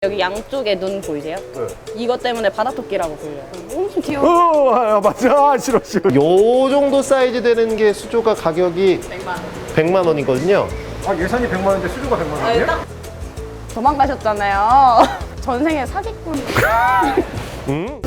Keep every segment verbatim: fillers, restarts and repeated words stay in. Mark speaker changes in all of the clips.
Speaker 1: 여기 양쪽에 눈 보이세요?
Speaker 2: 네.
Speaker 1: 이것 때문에 바다토끼라고 불려요. 엄청 귀여워.
Speaker 2: 어, 아, 맞아. 싫어, 싫어. 요 정도 사이즈 되는 게 수조가 가격이
Speaker 1: 백만 원.
Speaker 2: 백만 원이거든요.
Speaker 3: 아, 예산이 백만 원인데 수조가 백만
Speaker 1: 아,
Speaker 3: 원이에요?
Speaker 1: 딱 도망가셨잖아요. 전생에 사기꾼.
Speaker 2: 음?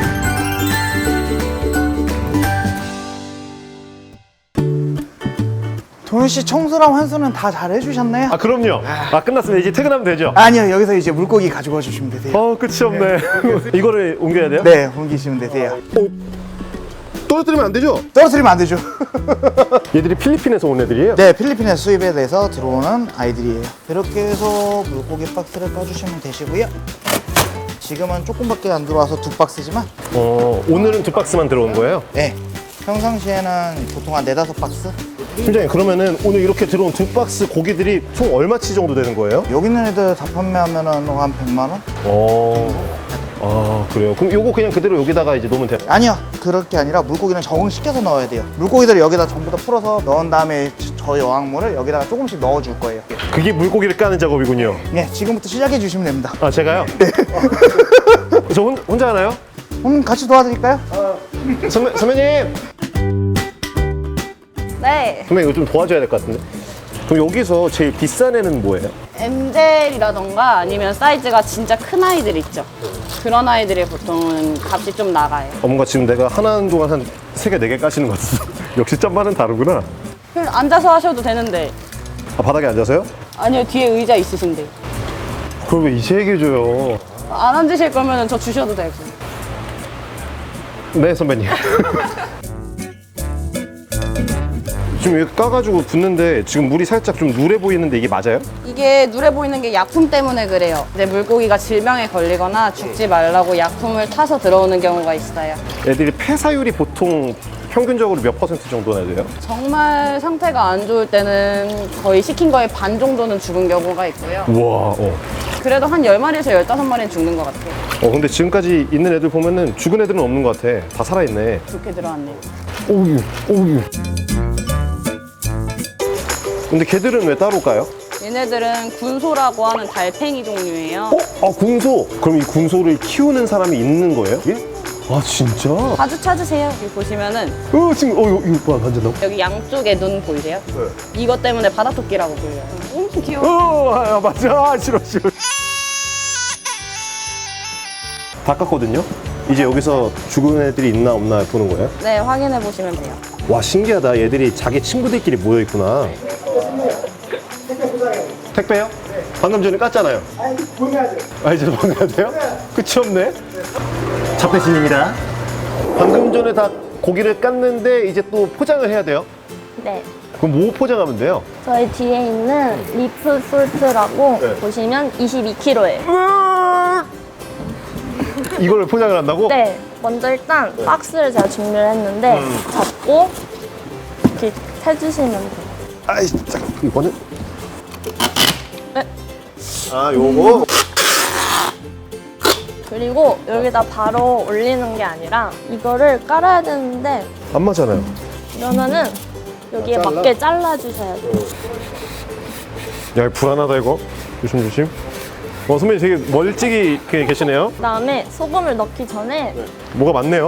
Speaker 4: 도현 씨 청소랑 환수는 다 잘 해주셨나요?
Speaker 2: 아, 그럼요. 아, 끝났으면 이제 퇴근하면 되죠?
Speaker 4: 아니요, 여기서 이제 물고기 가지고 와주시면 되세요.
Speaker 2: 어, 끝이 없네. 이거를 옮겨야 돼요?
Speaker 4: 네, 옮기시면 되세요.
Speaker 2: 어, 떨어뜨리면 안 되죠?
Speaker 4: 떨어뜨리면 안 되죠.
Speaker 2: 얘들이 필리핀에서 온 애들이에요?
Speaker 4: 네, 필리핀에서 수입에 대해서 들어오는 아이들이에요. 이렇게 해서 물고기 박스를 까주시면 되시고요. 지금은 조금밖에 안 들어와서 두 박스지만,
Speaker 2: 어, 오늘은 두 박스만 들어온 거예요?
Speaker 4: 네, 평상시에는 보통 한 네다섯 박스?
Speaker 2: 팀장님, 그러면은 오늘 이렇게 들어온 두 박스 고기들이 총 얼마치 정도 되는 거예요?
Speaker 4: 여기 있는 애들 다 판매하면은 한 백만 원?
Speaker 2: 어, 아, 그래요? 그럼 요거 그냥 그대로 여기다가 이제 놓으면 돼요?
Speaker 4: 아니요, 그럴 게 아니라 물고기는 적응시켜서 넣어야 돼요. 물고기들을 여기다 전부 다 풀어서 넣은 다음에 저 여왕물을 여기다가 조금씩 넣어줄 거예요.
Speaker 2: 그게 물고기를 까는 작업이군요.
Speaker 4: 네, 지금부터 시작해 주시면 됩니다.
Speaker 2: 아, 제가요? 네. 저 혼, 혼자 하나요?
Speaker 4: 음, 같이 도와드릴까요?
Speaker 2: 선배, 선배님!
Speaker 1: 네.
Speaker 2: 선배님, 이거 좀 도와줘야 될 것 같은데? 그럼 여기서 제일 비싼 애는 뭐예요?
Speaker 1: 엠젤이라던가 아니면 사이즈가 진짜 큰 아이들 있죠. 그런 아이들이 보통은 값이 좀 나가요.
Speaker 2: 어, 뭔가 지금 내가 하나는 동안 한 세 개, 네 개 까시는 것 같았어. 역시 짬바는 다르구나.
Speaker 1: 그냥 앉아서 하셔도 되는데.
Speaker 2: 아, 바닥에 앉아서요?
Speaker 1: 아니요, 뒤에 의자 있으신데.
Speaker 2: 그걸 왜 이제 얘기해줘요?
Speaker 1: 안 앉으실 거면 저 주셔도 되고.
Speaker 2: 네, 선배님. 지금 여기 까가지고 붓는데 지금 물이 살짝 좀 누래 보이는데 이게 맞아요?
Speaker 1: 이게 누래 보이는 게 약품 때문에 그래요. 근데 물고기가 질병에 걸리거나 죽지 말라고 약품을 타서 들어오는 경우가 있어요.
Speaker 2: 애들이 폐사율이 보통 평균적으로 몇 퍼센트 정도나 돼요?
Speaker 1: 정말 상태가 안 좋을 때는 거의 시킨 거의 반 정도는 죽은 경우가 있고요.
Speaker 2: 우와, 어.
Speaker 1: 그래도 한 열 마리에서 열다섯 마리는 죽는 것 같아요.
Speaker 2: 어, 근데 지금까지 있는 애들 보면은 죽은 애들은 없는 것 같아. 다 살아있네.
Speaker 1: 좋게 들어왔네요.
Speaker 2: 오유, 오유. 근데 걔들은 왜 따로 까요?
Speaker 1: 얘네들은 군소라고 하는 달팽이 종류예요.
Speaker 2: 어? 아, 군소! 그럼 이 군소를 키우는 사람이 있는 거예요? 예? 아, 진짜? 어,
Speaker 1: 자주 찾으세요. 여기 보시면은
Speaker 2: 지금, 어, 이거, 이거 봐, 완전 나.
Speaker 1: 여기 양쪽에 눈 보이세요?
Speaker 2: 네.
Speaker 1: 이것 때문에 바다토끼라고 불려요. 엄청 귀여워.
Speaker 2: 어, 아, 맞아. 싫어, 싫어. 다 깠거든요? 이제 여기서 죽은 애들이 있나 없나 보는 거예요?
Speaker 1: 네, 확인해 보시면 돼요.
Speaker 2: 와, 신기하다. 얘들이 자기 친구들끼리 모여있구나. 택배요? 방금 전에 깠잖아요.
Speaker 4: 아니, 보내야 돼요.
Speaker 2: 아, 이제 보내야 돼요? 끝이 없네. 잡대신입니다. 방금 전에 다 고기를 깠는데 이제 또 포장을 해야 돼요?
Speaker 5: 네.
Speaker 2: 그럼 뭐 포장하면 돼요?
Speaker 5: 저희 뒤에 있는 리프 솔트라고
Speaker 2: 네.
Speaker 5: 보시면 이십이 킬로그램예요.
Speaker 2: 이걸 포장을 한다고?
Speaker 5: 네. 먼저 일단 박스를 제가 준비를 했는데 잡고 이렇게 해주시면 돼요.
Speaker 2: 아이, 잠깐. 이거는?
Speaker 1: 네.
Speaker 2: 아, 요거?
Speaker 5: 그리고 여기다 바로 올리는 게 아니라 이거를 깔아야 되는데
Speaker 2: 안 맞잖아요.
Speaker 5: 그러면은 여기에
Speaker 2: 잘라?
Speaker 5: 맞게 잘라주셔야 돼요.
Speaker 2: 야, 불안하다, 이거. 조심, 조심. 어, 선배님 되게 멀찍이 그 계시네요.
Speaker 5: 그 다음에 소금을 넣기 전에
Speaker 2: 뭐가 많네요.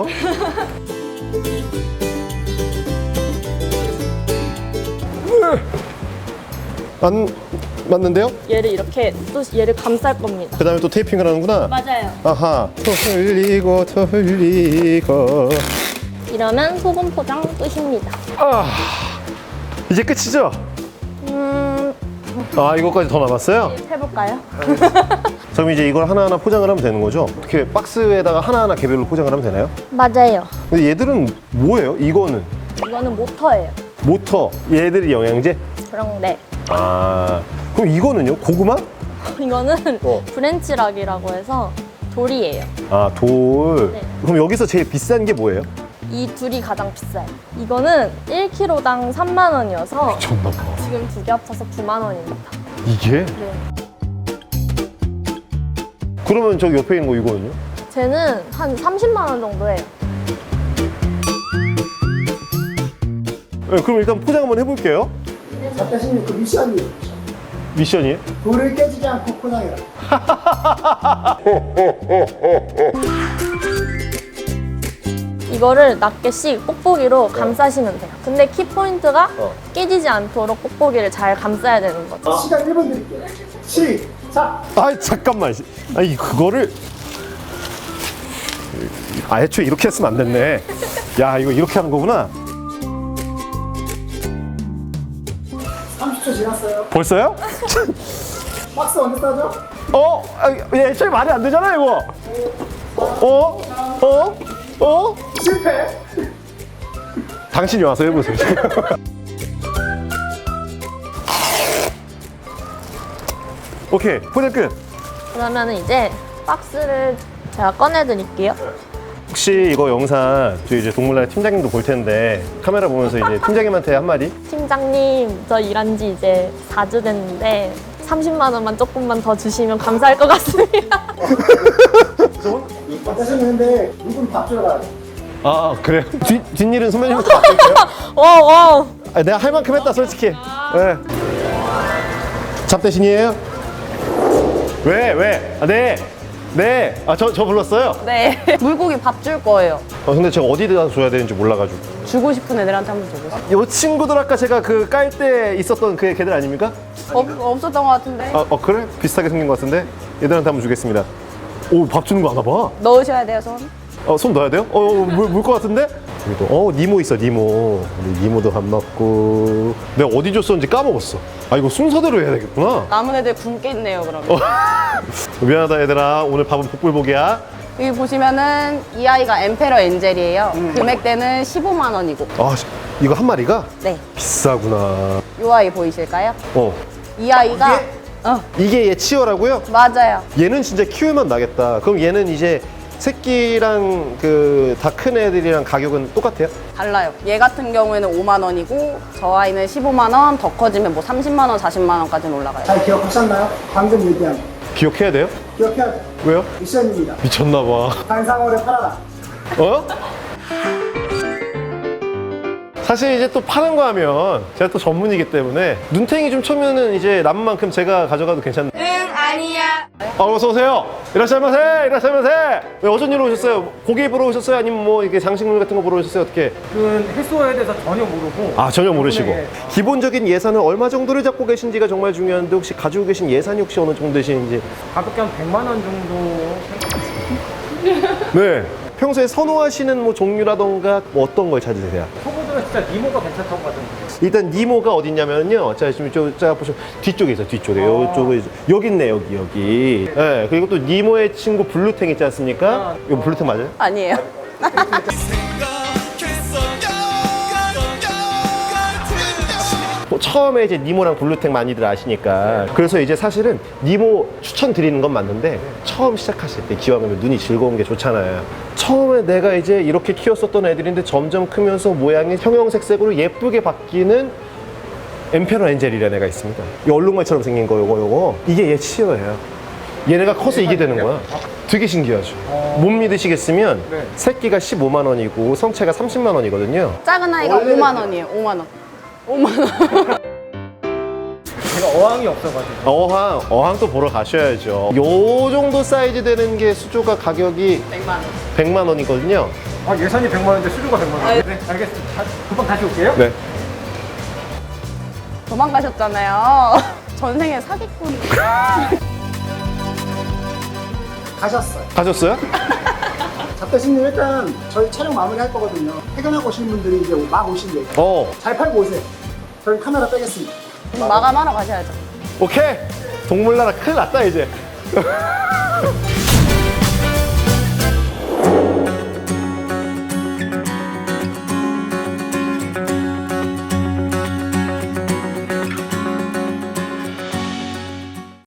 Speaker 2: 안 맞는데요?
Speaker 5: 얘를 이렇게 또 얘를 감쌀 겁니다.
Speaker 2: 그 다음에 또 테이핑을 하는구나.
Speaker 5: 맞아요.
Speaker 2: 아하. 더 흘리고 더 흘리고.
Speaker 5: 이러면 소금 포장 끝입니다.
Speaker 2: 아, 이제 끝이죠?
Speaker 5: 음,
Speaker 2: 아, 이거까지 더 남았어요?
Speaker 5: 해볼까요?
Speaker 2: 그럼 이제 이걸 하나하나 포장을 하면 되는 거죠? 이렇게 박스에다가 하나하나 개별로 포장을 하면 되나요?
Speaker 5: 맞아요.
Speaker 2: 근데 얘들은 뭐예요? 이거는
Speaker 5: 이거는 모터예요.
Speaker 2: 모터, 얘들이 영양제?
Speaker 5: 그런데
Speaker 2: 아, 그럼 이거는요? 고구마?
Speaker 5: 이거는
Speaker 2: 어.
Speaker 5: 브랜치락이라고 해서 돌이에요.
Speaker 2: 아, 돌.
Speaker 5: 네.
Speaker 2: 그럼 여기서 제일 비싼 게 뭐예요?
Speaker 5: 이 둘이 가장 비싸요. 이거는 일 킬로그램당 삼만 원이어서
Speaker 2: 미쳤나 봐.
Speaker 5: 지금 두 개 합쳐서 구만 원입니다.
Speaker 2: 이게?
Speaker 5: 네.
Speaker 2: 그러면 저기 옆에 있는 거 이거는요?
Speaker 5: 쟤는 한 삼십만 원 정도 해요.
Speaker 2: 네, 그럼 일단 포장 한번 해볼게요.
Speaker 6: 작가님 그 미션이에요.
Speaker 2: 미션이에요?
Speaker 6: 돌을 깨지지 않고 포장해라.
Speaker 5: 이거를 낱개씩 뽁뽁이로 감싸시면 돼요. 근데 키포인트가
Speaker 2: 어.
Speaker 5: 깨지지 않도록 뽁뽁이를 잘 감싸야 되는 거죠.
Speaker 3: 시간 일 분 드릴게요. 시작!
Speaker 2: 아이 잠깐만. 아니 그거를 아 애초에 이렇게 했으면 안 됐네. 야 이거 이렇게 하는 거구나.
Speaker 3: 삼십 초 지났어요.
Speaker 2: 벌써요?
Speaker 3: 박스 언제 싸죠?
Speaker 2: 어? 아, 애초에 말이 안 되잖아 이거. 어? 어? 어?
Speaker 3: 실패!
Speaker 2: 당신이 와서 해보세요. 오케이 포장 끝.
Speaker 5: 그러면 이제 박스를 제가 꺼내 드릴게요.
Speaker 2: 혹시 이거 영상 저희 이제 동물원 팀장님도 볼 텐데 카메라 보면서 이제 팀장님한테 한마디?
Speaker 5: 팀장님, 저 일한 지 이제 사 주 됐는데 삼십만 원만 조금만 더 주시면 감사할 것 같습니다.
Speaker 3: 하셨는데 누군 밥 주러 가야 돼.
Speaker 2: 아, 아 그래요? 뒷, 뒷일은 선배님부터 맡길게요.
Speaker 5: 와, 와.
Speaker 2: 아, 내가 할 만큼 했다 솔직히. 네. 잡대신이에요? 왜? 왜? 아, 네. 네. 아, 저, 저 불렀어요?
Speaker 1: 네. 물고기 밥 줄 거예요.
Speaker 2: 어, 근데 제가 어디다 줘야 되는지 몰라가지고.
Speaker 1: 주고 싶은 애들한테 한번 줘보세요.
Speaker 2: 이 친구들 아까 제가 그 깔 때 있었던 그 걔들 아닙니까?
Speaker 1: 없, 없었던 것 같은데.
Speaker 2: 아, 어, 그래? 비슷하게 생긴 것 같은데? 얘들한테 한번 주겠습니다. 오, 밥 주는 거 아나 봐.
Speaker 1: 넣으셔야 돼요, 손.
Speaker 2: 어, 손 넣어야 돼요? 어, 어 물, 물 것 같은데? 여기도, 어, 니모 있어, 니모. 우리 니모도 밥 먹고. 내가 어디 줬었는지 까먹었어. 아, 이거 순서대로 해야 되겠구나.
Speaker 1: 남은 애들 굶게 있네요, 그러면.
Speaker 2: 어. 미안하다, 얘들아. 오늘 밥은 복불복이야.
Speaker 1: 여기 보시면은 이 아이가 엠페러 엔젤이에요.
Speaker 2: 음.
Speaker 1: 금액대는 십오만 원이고.
Speaker 2: 아, 씨, 이거 한 마리가?
Speaker 1: 네.
Speaker 2: 비싸구나.
Speaker 1: 이 아이 보이실까요?
Speaker 2: 어.
Speaker 1: 이 아이가 어,
Speaker 2: 이게 얘 치어라고요?
Speaker 1: 맞아요.
Speaker 2: 얘는 진짜 키우면 나겠다. 그럼 얘는 이제 새끼랑 그 다 큰 애들이랑 가격은 똑같아요?
Speaker 1: 달라요. 얘 같은 경우에는 오만 원이고 저 아이는 십오만 원, 더 커지면 뭐 삼십만 원, 사십만 원까지는 올라가요.
Speaker 3: 잘 기억하셨나요? 방금 얘기한 거.
Speaker 2: 기억해야 돼요?
Speaker 3: 기억해야 돼.
Speaker 2: 왜요?
Speaker 3: 미션입니다.
Speaker 2: 미쳤나봐.
Speaker 3: 한상어를 팔아라.
Speaker 2: 어? 사실 이제 또 파는 거 하면 제가 또 전문이기 때문에 눈탱이 좀 쳐면은 이제 남은 만큼 제가 가져가도 괜찮네. 응, 아니야. 아, 어서 오세요. 이라샤마세, 이라샤마세. 왜 어쩐 일로 오셨어요? 고기 보러 오셨어요? 아니면 뭐 이게 장식물 같은 거 보러 오셨어요? 어떻게?
Speaker 3: 그 해소에 대해서 전혀 모르고.
Speaker 2: 아, 전혀 모르시고.
Speaker 3: 네.
Speaker 2: 기본적인 예산은 얼마 정도를 잡고 계신지가 정말 중요한데 혹시 가지고 계신 예산이 혹시 어느 정도 되시는지?
Speaker 3: 가볍게 한 백만 원 정도.
Speaker 2: 네. 평소에 선호하시는 뭐 종류라던가 뭐 어떤 걸 찾으세요?
Speaker 3: 초보들은 진짜 니모가 괜찮다고 하던데.
Speaker 2: 일단 니모가 어딨냐면요. 자, 지금 저, 자, 보시면 뒤쪽에 있어요. 뒤쪽에. 요쪽에. 있어요. 여기 있네, 여기, 여기. 네. 그리고 또 니모의 친구 블루탱 있지 않습니까? 이거 블루탱 맞아요?
Speaker 1: 아니에요.
Speaker 2: 뭐 처음에 이제 니모랑 블루탱 많이들 아시니까. 그래서 이제 사실은 니모 추천드리는 건 맞는데 처음 시작하실 때 기왕이면 눈이 즐거운 게 좋잖아요. 처음에 내가 이제 이렇게 키웠었던 애들인데 점점 크면서 모양이 형형색색으로 예쁘게 바뀌는 엠페러 엔젤이라는 애가 있습니다. 이 얼룩말처럼 생긴 거 요거 요거 이게 얘 치어예요. 얘네가 커서 이게 되는 거야. 되게 신기하죠. 못 믿으시겠으면
Speaker 3: 네.
Speaker 2: 새끼가 십오만 원이고 성체가 삼십만 원이거든요.
Speaker 1: 작은 아이가 오만 원이에요. 오만 원. 오만 원.
Speaker 3: 제가 어항이 없어가지고.
Speaker 2: 어항, 어항 또 보러 가셔야죠. 요 정도 사이즈 되는 게 수조가 가격이
Speaker 1: 백만 원.
Speaker 2: 백만 원이거든요.
Speaker 3: 아, 예산이 백만 원인데 수주가 백만 원. 네, 알겠습니다. 다- 금방 다시 올게요.
Speaker 2: 네.
Speaker 1: 도망가셨잖아요. 전생에 사기꾼.
Speaker 3: 가셨어요.
Speaker 2: 가셨어요?
Speaker 3: 잡대신님 일단 저희 촬영 마무리 할 거거든요. 퇴근하고 오시는 분들이 이제 막 오신대요.
Speaker 2: 어,
Speaker 3: 잘 팔고 오세요. 저희 카메라 빼겠습니다.
Speaker 1: 마감하러 가셔야죠.
Speaker 2: 오케이. 동물나라 큰일 났다, 이제.